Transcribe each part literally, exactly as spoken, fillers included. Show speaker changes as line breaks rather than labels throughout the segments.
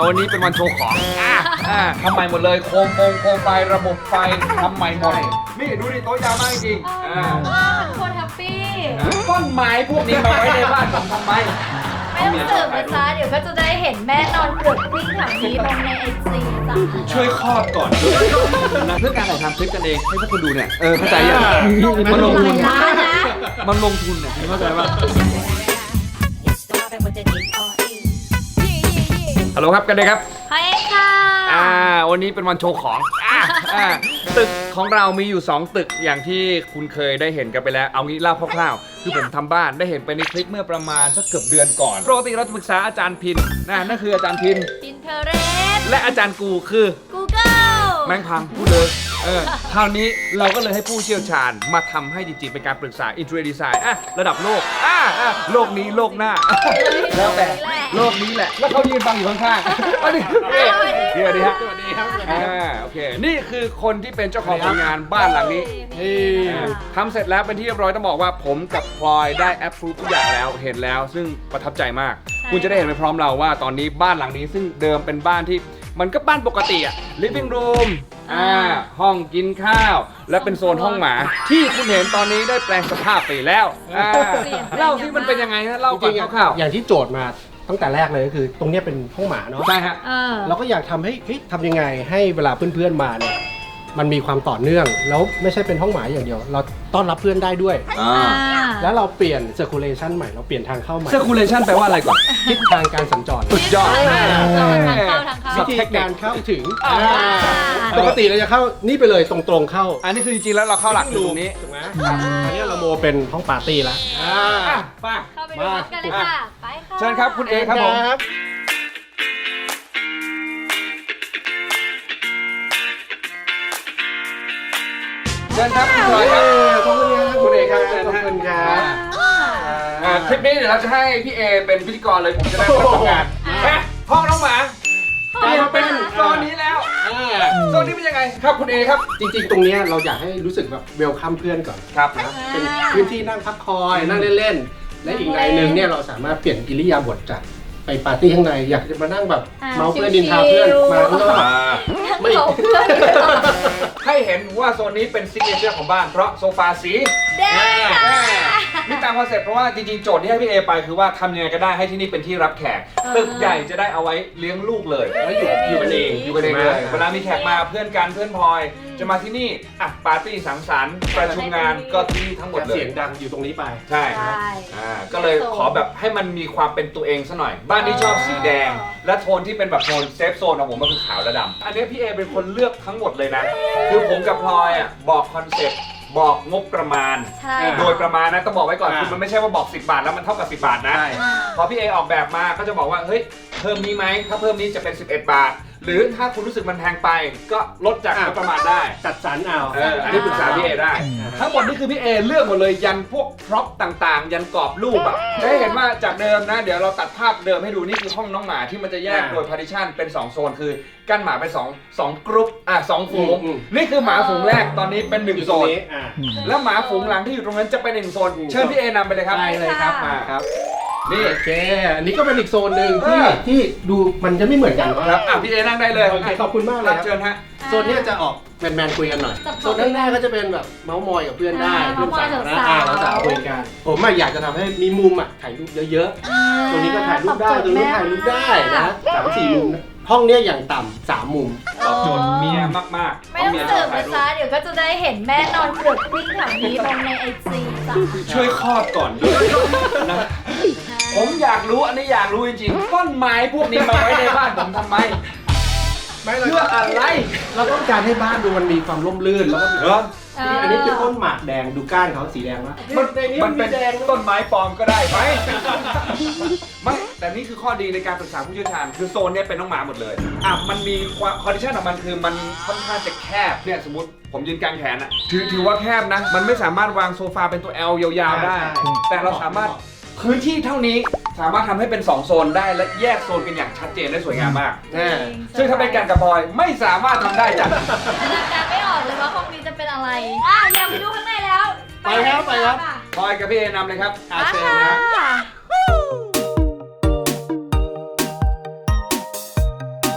วันนี้เป็นวันโชว์ของอ่าอ่าทำใหม่หมดเลยโคมโคมโคมไฟระบบไฟทำใหม่หมดนี่ดูดิโต๊ะยาวมากจริงอ่า
ทุกคนแฮปปี้
ต้นไม้พวกนี้มาไว้ในบ้านผมทำไม
ไม่ต้องเสิร์ฟนะจ๊ะเดี๋ยวก็จะได้เห็นแม่นอนปวดวิ่งแถวนี้ลงในไอจีจ้ะ
ช่วยคลอดก่อนนะเพื่อการถ่ายทำคลิปกันเองให้พวกคุณดูเนี่ยเออเข้าใจยังมันลงทุน
ล้านนะ
มันลงทุนเนี่ยเข้าใจป่ะฮัลโหลครับกันเลยครับ
เฮ้ยค่ะ
อ่าวันนี้เป็นวันโชว์ของอ่าอ่าตึกของเรามีอยู่สองตึกอย่างที่คุณเคยได้เห็นกันไปแล้วเอางี้เล่าคร่าวๆคือผมทำบ้านได้เห็นไปในคลิปเมื่อประมาณสักเกือบเดือนก่อนปกติเราจะปรึกษาอาจารย์พินนะนั่นคืออาจารย์พิน
อินเทอร์เรส
และอาจารย์กูคือ
Google
แม่งพังพูดเลยเออคราวนี้เราก็เลยให้ผู้เชี่ยวชาญมาทำให้จริงๆเป็นการปรึกษา Interior Design อ่ะระดับโลกอ่ะอ่ะโลกนี้โลกหน้าแล้วแต่โลกนี้แหละแล้วเขายืนฟังอยู่ข้างๆอันนี้เดี๋ยวดีฮะสวัสดีครับอ่าโอเคนี่คือคนที่เป็นเจ้าของผลงานบ้านหลังนี้ทำเสร็จแล้วเป็นที่เรียบร้อยต้องบอกว่าผมกับพลอยได้แอปพรูฟทุกอย่างแล้วเห็นแล้วซึ่งประทับใจมากคุณจะได้เห็นไปพร้อมเราว่าตอนนี้บ้านหลังนี้ซึ่งเดิมเป็นบ้านที่มันก็บ้านปกติอะ living room อ่าห้องกินข้าวและเป็นโซนห้องหมาที่คุณเห็นตอนนี้ได้แปลงสภาพไปแล้วอ่าเล่าที่มันเป็นยังไงฮะเล่าก่อนคร่าวๆ
อย่างที่โจทย์มาตั้งแต่แรกเลยก็คือ ตรงเนี้ยเป็นห้องหมาเนาะ
ใช่ฮะ
เออ
เราก็อยากทำให้เฮ้ยทำยังไงให้เวลาเพื่อนๆมาเนี่ยมันมีความต่อเนื่องแล้วไม่ใช่เป็นห้องหมาอย่างเดียว เราต้อนรับเพื่อนได้ด้วย
อ่า
แล้วเราเปลี่ยน circulation ใหม่เราเปลี่ยนทางเข้าใหม่
circulation แปลว่าอะไรก่อน
ทิศทางการสัญจร
สุดยอด
ทางเข้าทางเข้า
วิธีการเข้าถึง
อ่า
ปกติเราจะเข้านี่ไปเลยตรงๆเข้า
อันนี้คือจริงๆแล้วเราเข้าหลักอยู่ตรงนี้
ถูกไหมอันนี้เราโมเป็นห้องปาร์ตี้แล้ว
อ่าไป
เข้าไปดูพร้อมกันเลยค่ะ ไปค่ะ
เชิญครับคุณเอครับผมเชิญครับคุณพลอยครับ
ขอบคุณครับ
คุณเอครับเชิญ
ขอบ
ฮะ
คุณครับ
อ่าคลิปนี้เดี๋ยวเราจะให้พี่เอเป็นพิธีกรเลยผมจะได้มาทำงานแม่ห้องน้องหมาเปลี่ยนเป็นโซนนี้แล้วโซนนี้เป็นยังไงครับคุณเอครับ
จริงๆ ตรงเนี้ยเราอยากให้รู้สึกแบบเวลคัมเพื่อนก่อน
ครับ
นะเป็นพื้นที่นั่งพักคอยนั่งเล่นๆ และอีกในหนึ่งเนี่ยเราสามารถเปลี่ยนอิริยาบถจากไปปาร์ตี้ข้างในอยากจะมานั่งแบบเมาเพื่อนดินทาเพื่อนมาข้างนอก
ไม่ เพื่อน
ให้เห็นว่าโซนนี้เป็นซิกเนเจอร์ของบ้านเพราะโซฟาสี
แดงค่ะ
นี่ตามคอนเซ็ปต์เพราะว่าจริงๆโจทย์ที่ให้พี่เอไปคือว่าทำยังไงก็ได้ให้ที่นี่เป็นที่รับแขกตึกใหญ่จะได้เอาไว้เลี้ยงลูกเลยแล้วอยู่อยู่กันเองอยู่กันเองเลยเวลามีแขกมาเพื่อนกันเพื่อนพลอยจะมาที่นี่อ่ะปาร์ตี้สังสรรค์ประชุมงานก็ที่นี่ทั้งหมดเลย
เสียงดังอยู่ตรงนี้ไป
ใช่
ใช่
อ่าก็เลยขอแบบให้มันมีความเป็นตัวเองซะหน่อย บ้านนี้ชอบสีแดง และโทนที่เป็นแบบโทนเซฟโซนของผมมันคือขาวและดำอันนี้พี่เอเป็นคนเลือกทั้งหมดเลยนะ คือผมกับพลอยอ่ะบอกคอนเซ็ปต์บอกงบประมาณ
ใช่
โดยประมาณนะต้องบอกไว้ก่อน
อ่า
คือมันไม่ใช่ว่าบอกสิบบาทแล้วมันเท่ากับสิบบาทนะ
ใช่
พอพี่เอออกแบบมาก็จะบอกว่าเฮ้ยเพิ่มนี้ไหมถ้าเพิ่มนี้จะเป็นสิบเอ็ดบาท หรือถ้าคุณรู้สึกมันแพงไปก็ลดจากงบประมาณได้
จัดสรรเอา
เอออันนี้ปรึกษาพี่เอได้ ทั้งหมดนี่คือพี่เอเลือกหมดเลยยันพวกพร็อพต่างๆ ยันกรอบรูปอ่ะจะให้เห็นว่าจากเดิมนะ เดี๋ยวเราตัดภาพเดิมให้ดูนี่คือห้องน้องหมาที่มันจะแยกโดย partition เป็นสองโซนคือกั้นหมาเป็นสอง สองกรุ๊ปอ่ะสองฝูงนี่คือหมาฝูงแรกตอนนี้เป็นหนึ่ง
อยู่
โซ
ตรง
น
นี้อ่า
แล้วหมาฝูงหลังที่อยู่ตรงนั้นจะเป็นหนึ่งโซนเชิญพี่เอนำไปเลยครับ
ได้เลยครับมาครับ
นี่
โอเค อันนี้ก็เป็นอีกโซนหนึ่งที่
เออ
ที่ดูมันจะไม่เหมือนกัน
ครับอ่ะพี่เอนั่งได้เลย
โอเคขอบคุณมากเลย
รับ
ครับ
เชิญฮะ
โซนเนี้ยจะออกแมนๆคุยกันหน่อย โซนข้างหน้าก็จะเป็นแบบเมาส์มอยกับเพื่อนได้
อ่า
เพื่อนสาวนะ
เมาส์มอย
อ่า
สาวๆ
เราสาวคุยกัน ผมอะอยากจะทำให้มีมุมอ่ะถ่ายรูปเยอะๆ ตรงนี้ก็ถ่ายรูปได้ ตรงนี้ถ่ายรูปได้นะสามสี่มุมนะห้องเนี้ยอย่างต่ำสามมุม
ตอบโจทย์เมียมากๆ
ไม่ต้อง
เมียช
เสิ
อ
ร์
บ
ฟ
ถ่าย
นะ
รูป
จ๊ะเดี๋ยวก็จะได้เห็นแม่นอนปวดวิ่งแถวนี้ลงในไอจีจ้ะ
ช่วยคลอดก่อนด้วยนะผมอยากรู้อันนี้อยากรู้จริงๆต้นไม้พวกนี้มาไว้ในบ้านผมทำไม
ไม่
เพื่ออะไร
เราต้องการให้บ้านดูมันมีความร่มรื่นแล้วก็มี
เหรอ
นี่อันนี้คือต้นหมากแดงดูก้านเขาสีแดงวะ
มัน
ในนี้
มั
มัน น
เป็
มี
น
แดง
ต้นไม้ปลอมก็ได้ไหมไม่แต่นี่คือข้อดีในการปรึกษาผู้เชี่ยวชาญคือโซนเนี้ยเป็นน้องหมาหมดเลยอ่ะมันมีความคอนดิชันของมันคือมันค่อนข้างจะแคบเนี่ยสมมติผมยืนกลางแขนอ่ะถือถือว่าแคบนะ มันไม่สามารถวางโซฟาเป็นตัว L ยาวๆได้ แต่เราสามารถพื้นที่เท่านี้สามารถทำให้เป็นสองโซนได้และแยกโซนกันอย่างชัดเจนได้สวยงามมาก
แน่
ซึ่งถ้าเป็นการกระบอยไม่สามารถทำได้จ้ะ
จินตนาการไม่ออกเลยว่าห้องนี้จะเป็นอะไร อ่ะอยากไปดูข้างในแล้ว
ไปครับไปครับ
พลอยกับพี่เอนำเลยครับอา
อ่ะ
เซนนะ
ค่ะ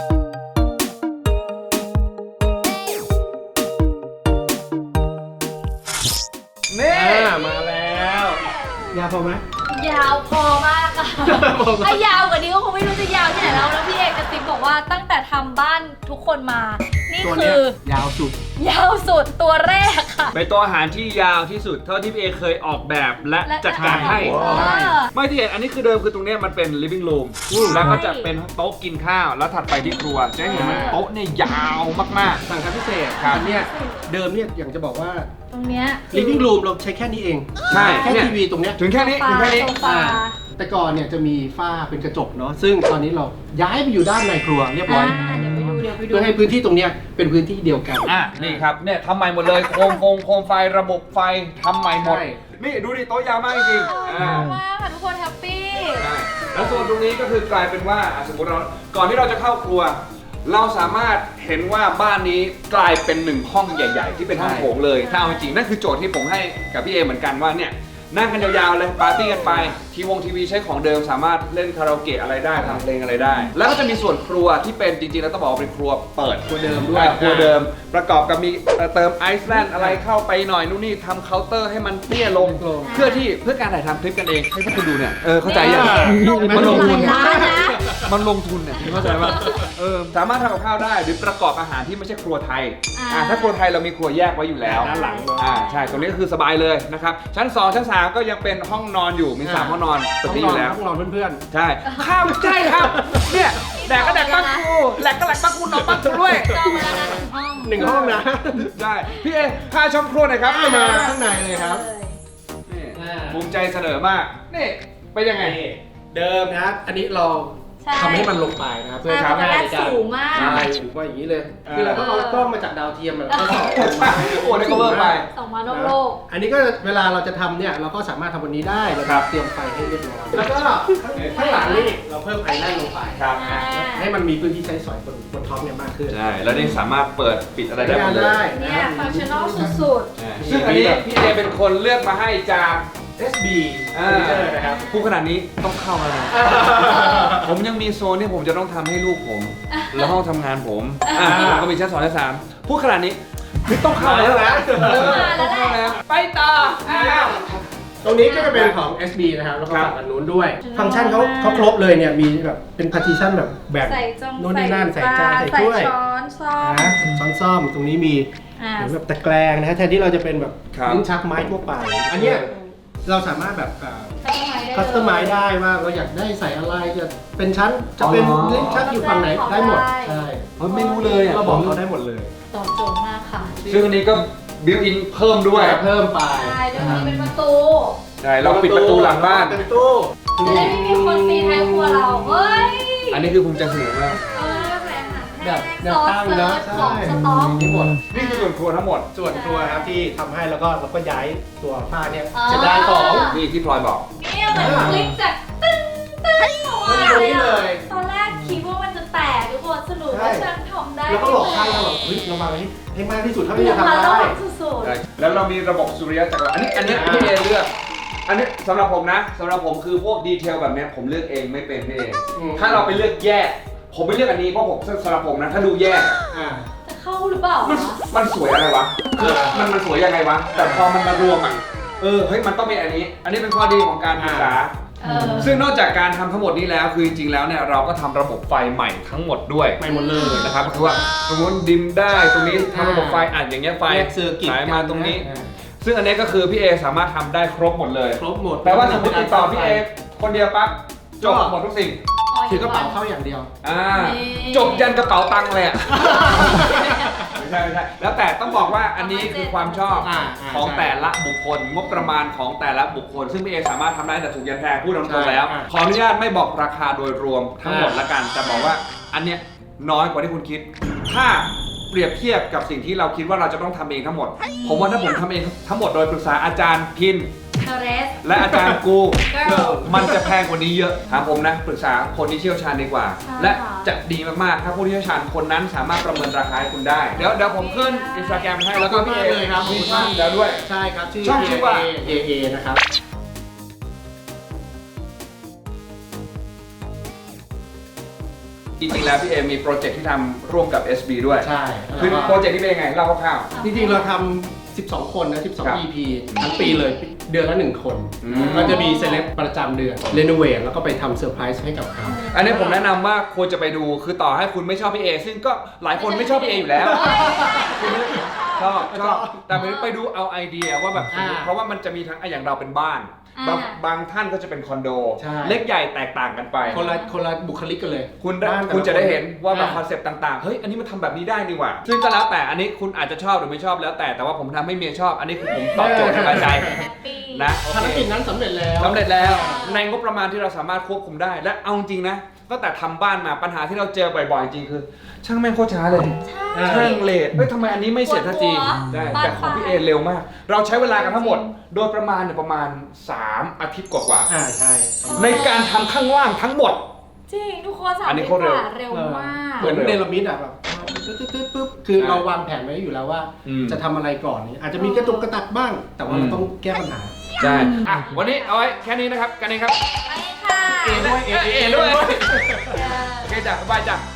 าวพอไหม
ยาวพอมากอะถ้ายาวกว่านี้ก็คงไม่รู้จะยาวที่ไหนแล้วแล้วพี่เอกกระซิบบอกว่าตั้งแต่ทำบ้านทุกคนมา นี่
ตัว
คื
เนี้ย
อย
าวสุด
ยาวสุดตัวแรกค่ะ
เป็นตัวอาหารที่ยาวที่สุดเท่าที่พี่เอเคยออกแบบและจัดการให้
เออ
ไม่ที่เห็นอันนี้คือเดิมคือตรงเนี้ยมันเป็น living room แล้วก็จะเป็นโต๊ะกินข้าวแล้วถัดไปที่ครัวจะเห็นมันโต๊ะเนี่ยยาวมาก
สั่งทำพิเศษ
ครับ
อันเนี้ยเดิมเนี่ยอย่างจะบอกว่า
ตรงเนี้ย
living room เราใช้แค่นี้เอง
ใช่
แค่
เนี่ย
ทีวีตรงเนี้ย
ๆ ถึงแค่นี้ถึงแค่นี้
โซฟา
แต่ก่อนเนี่ยจะมีฝ้าเป็นกระจกเนาะซึ่งตอนนี้เราย้ายไปอยู่ด้านในครัวเรียบร้อย
อ่าเดี๋ยวไปดูเดี๋ยวไปดู
เพื่อให้พื้นที่ตรงเนี้ยเป็นพื้นที่เดียวกัน
อ่ะนี่ครับเนี่ยทำใหม่หมดเลยโคมฟงโคมไฟระบบไฟทำใหม่หมด
ใช่
นี่ดูดิโต๊ะยาวมากจริงๆ
ช
อ่า
อบมากค่ะทุกคนแฮปปี้
ใช่แล้วส่วนตรงนี้ก็คือกลายเป็นว่าอ่ะสมมติเราก่อนที่เราจะเข้าครัว เราสามารถเห็นว่าบ้านนี้กลายเป็นหนึ่งห้องใหญ่ๆ ที่เป็นห้องโถงเลยถ้าเอาจริงๆนั่นคือโจทย์ที่ผมให้กับพี่เอเหมือนกันว่าเนี่ยนั่งกันยาวๆเลยปาร์ตี้กันไปทีวงทีวีใช้ของเดิมสามารถเล่นคาราโอเกะอะไรได้ทำเพลงอะไรได้ แล้วก็จะมีส่วนครัวที่เป็นจริงๆแล้วต้องบอกว่าเป็นครัวเปิด
ครัวเดิมด้วย
อ่าครัวเดิมประกอบกับมีเอ่อเติมไอซ์แลนด์อะไรเข้าไปหน่อยนู่นนี่ทำเคาน์เตอร์ให้มันเตี้ยลง
ลง
เพื่อที่เพื่อการถ่ายทำคลิปกันเองให้พวกคุณดูเนี่ยเออเข้าใจยัง
มันลงทุน
หลายล้านนะ
มันลงทุนเนี่ยเข้าใจป่ะเออสามารถทำกับข้าวได้หรือประกอบอาหารที่ไม่ใช่ครัวไทย
อ่า
อ่าถ้าครัวไทยเรามีครัวแยกไว้อยู่แล้ว
ด้านหลัง
อ่าใช่ตรงนี้ก็คือสบายเลยนะครับชั้นสองชั้นสามก็ยังเป็นห้องนอนอยู่มีสามห้องนอนตึกนี้อยู่แล้ว
ห้องนอนเพื่อน
ใช่ข้าวใช่ครับเนี่ยแดกก็แดกปักกูแหลกก็แหลกปักกูนอนปักกูด้วย
จองเวลาละหนึ่งห้อง
ๆหนึ่งห้องนะ
ใช่พี่เอพาชมครัวหน่อยครับ
เข้ามาข้างในเลยครับ
นี่
อ่า
ภูมิใจเสนอมากนี่ไปยังไง
เดิมนะครับอันนี้เรา
ใช่
ทำให้มันลงไปนะครับเพื่อ
ใช่
ทำ
ตอนแรก
ในการ
สูงมาก
ใช่สูงกว่าอย่างนี้เลย
เออ
คือเราต้องเอากล้องมาจากดาวเทียมมาแล้วก็ส่องลงมา
โอ้ได้ cover ไป
สองมานอกโลก
อันนี้ก็เวลาเราจะทำเนี่ยเราก็สามารถทำวันนี้ได้เรา
ครับ
เตรียมไฟให้เรียบร้อยแล้วก็ข้างหลังนี่เราเพิ่มไอแลนด์ลงไป
ครับ
อ่า
ให้มันมีพื้นที่ใช้สอยบนบนท็อปเนี่ยมากขึ้น
ใช่แล้วนี่สามารถเปิดปิดอะไรได้หมดเลย
ได้
เนี่ยฟังชั่นอลสุด
อ่าซึ่งอันนี้พี่เอเป็นคนเลือกมาให้จาก
เอส บี
อ่า
นะครับ
พูดขนาดนี้ต้องเข้าแล้วนะผมยังมีโซนที่ผมจะต้องทำให้ลูกผม แล้วห้องทำงานผมอ่าผมก็มีชั้นสองชั้นสามพูดขนาดนี้ไม่ต้องเข้าแล้วนะเออต้องเข้าแล้วไปต่ออ้าว
ตรงนี้ก็จะเป็นของ เอส บี นะครับแล้วก็
ครับ
ฝั่งอันนู้นด้วย ฟังก์ชันเขาเขาครบเลยเนี่ยมีแบบเป็น partition แบบแบ่ง
ๆใส่จง
โน่นนี่นั่นใส่จานใส่
ใส่
ถ้วย
ช้อนซ่อม
นะช้อนซ่อมตรงนี้มี
อ่า
เหมือนแบบตะแกรงนะฮะแทนที่เราจะเป็นแบบ
ครับ
ลิ้นชักไม้ทั่วไป อันเนี้ยเราสามารถแบบ คัสตอมไมซ์ได้ว่าเราอยากได้ใส่อะไรจะเป็นชั้นจะเป็น
อ๋อ
ลิ้นชักอยู่ฝั่งไหนได้หมดใช่
เฮ้ยไม่รู้เลยอ่ะ
เราบอกเขาได้หมดเลย
ตอบโจทย์มากค่ะ
ซึ่งอันนี้ก็บิวอินเพิ่มด้วย
เพิ่มไป
ใช่เดี๋ยวนี้เป็นประตู
ใช่เราปิดประตูหลังบ้าน
เป็นตู้
จะได้ไม่มีคนตีท้ายครัวเรา เฮ้ย
อันนี้คือภูมิใจเสนอมาก
เออแหวนอาหารแห้ง
แบบแนว
ซอส
ตั้ง
เซิ
นะ
ร์ช
ใช่
ของสต๊อก
มีหมด
นี่คือส่วนครัวทั้งหมด
ส่วนครัวครับที่ทำให้แล้วก็เราก็ย้ายตัวผ้าเนี่ย
อ๋อ
จะได้ของ
นี่ที่พลอยบอก
เนี่ยเหมือนคลิกจากตึ้งตึ้งออกมา
ตรงนี้เลย
ตอนแรกคิดว่ามันจะแตกทุกคนสรุปว่าฉันทำได้
แล้วก็หลอกข้างเราแบบเฮ้ยเรามาให้ให้มากที่สุดเท่าที่
เดี๋ย
จะ
วมา
ทำ
แล้ว
ได้
สุด
แล้วเรามีระบบสุริยะจักรวาลอันนี้อันนี้พี่เอเลือก อันนี้สำหรับผมนะสำหรับผมคือพวกดีเทลแบบเนี้ยผมเลือกเองไม่เป็นพี่เอ
อืม
ถ้าเราไปเลือกแยก ผมไม่เลือกอันนี้เพราะผมสำหรับผมนะถ้าดูแยก
อ่า
ๆจะเข้าหรือเปล่า
มัน
วะ
มันสวยอะไรวะคือมันมันสวยยังไงวะแต่พอมันมารวมอ่ะเออเฮ้ยมันต้องเป็นอันนี้ อันนี้เป็นข้อดีของการศึกษา
เออ
ซึ่งนอกจากการทำทั้งหมดนี้แล้วคือจริงๆแล้วเนี่ยเราก็ทำระบบไฟใหม่ทั้งหมดด้วย
ไปหมดเลย
นะครับก็คือว่าตรงนู้นดิมได้ตรงนี้ทำระบบไฟอ่านอย่างเงี้ยไฟ
แยกเซอร์กิต
สายมาตรงนี้
อ่า
ซึ่งอันนี้ก็คือพี่เอสามารถทำได้ครบหมดเลย
ครบหมด
แปลว่าสมมติติดต่อพี่เอคนเดียวปั๊บจบหมดทุกสิ่ง
ถือกระเป๋าเข้าอย่างเดียว
อ่าจบยันกระเป๋าตังค์เลยอ่ะ ไม่ใช่ไม่ใช่แล้วแต่ต้องบอกว่าอันนี้คือความชอบ
อ่าอ่า
ของ
ใช่
แต่ละบุคคลงบประมาณของแต่ละบุคคล ซึ่งพี่เอสามารถทำได้แต่ถูกยันแพงพูดตรงๆแล้ว
อ่า
ขออนุญาตไม่บอกราคาโดยรวมทั้งหมด
อ่า
ละกันแต่บอกว่าอันเนี้ยน้อยกว่าที่คุณคิด ถ้าเปรียบเทียบกับสิ่งที่เราคิดว่าเราจะต้องทำเองทั้งหมด ผมว่าถ้าผมทำเองทั้งหมดโดยปรึกษาอาจารย์พิน
เทเรส
และอาจารย์กู
Girl
มันจะแพงกว่านี้เยอะถามผมนะปรึกษาคนที่เชี่ยวชาญดีกว่า
ใช่
และ
ค่ะ
จะดีมากๆ ถ้าผู้ที่เชี่ยวชาญคนนั้นสามารถประเมินราคาให้คุณได้ เดี๋ยวเดี๋ยวผมขึ้นอินสตาแกรมให้แล้วก็พี่เอ
เลยครับ
มีช่องแล้วด้วย
ใช่ครับชื่อ
ช่องชื่อว่า
เอ เอ นะครับ
จริงๆแล้วพี่เอมีโปรเจกต์ที่ทำร่วมกับ เอส บี ด้วย
ใช่
คือ
แล้ว
โปร
ก็
เจกต์ที่เป็นยังไงเล่าคร่าว
จริงๆเราทำสิบสอง คนนะ สิบสอง
ครับ
อี พี ทั้งปีเลยเดือนละหนึ่งคน
อืม
ก็จะมีเซเลบประจำเดือนเรโนเวทแล้วก็ไปทำเซอร์ไพรส์ให้กับเขา
อันนี้ผมแนะนำว่าควรจะไปดูคือต่อให้คุณไม่ชอบพี่เอซึ่งก็หลายคนไม่ชอบพี่เออยู่แล้วคุณชอบชอบแต่ไปดูเอาไอเดียว่าแบบ
อ่า
เพราะว่ามันจะมีทั้งอ่ะอย่างเราเป็นบ้าน
อ่า
บางบางท่านก็จะเป็นคอนโด
ใช่
เล็กใหญ่แตกต่างกันไป
คนละคนละบุคลิกกันเลย
คุณได้
บ้านแต่ล
คุณจะได้เห็นว่าแบบ
อ่
คอนเซปต์ต่างๆ เฮ้ย อันนี้มันทำแบบนี้ได้นี่หว่า ซึ่งก็แล้วแต่ อันนี้คุณอาจจะชอบหรือไม่ชอบแล้วแต่ แต่ว่าผมทำให้เมียชอบ อันนี้คือผมตอบโจทย์สบายใจ
แฮปปี้
นะ
ภารกิจนั้นสำเร็จแล้ว
สำเร็จแล้ว ในงบประมาณที่เราสามารถควบคุมได้ และเอาจริงนะตั้งแต่ทำบ้านมาปัญหาที่เราเจอบ่อยๆ จริงคือ ช่างแม่งโคตรช้าเลย
ใช่
ช่างเลทเฮ้ยทำไมอันนี้ไม่เสร็จทันที
ปวดหัว
ได้
บาน
แต่ของพี่เอ
ปลาย
เร็วมาก เราใช้เวลากันทั้งหมด โดยประมาณเนี่ยประมาณสามอาทิตย์กว่า
อ่าใช่
ๆในการทำข้างล่างทั้งหมด
จริงทุกคนสา
อั
ม
นนี้
ปี
โคตรเร็ว
กว่าเร็วมาก
เหมือนเนรมิตอ่ะแบบตึ๊ดตึ๊ดตึ๊ดปุ๊บคือเราวางแผนไว้อยู่แล้วว่า
อืม
จะทำอะไรก่อนนี่อาจจะมีกระตุกกระตักบ้าง แต่ว่าเราต้องแก้ปัญหา
ใช่ อ่ะ วันนี้เอาไว้แค่นี้นะครับ กันเองครับ
ไปค่ะ
เอด้วย
เอเอด้วย
เออ
โอเคจ้ะบายจ้ะ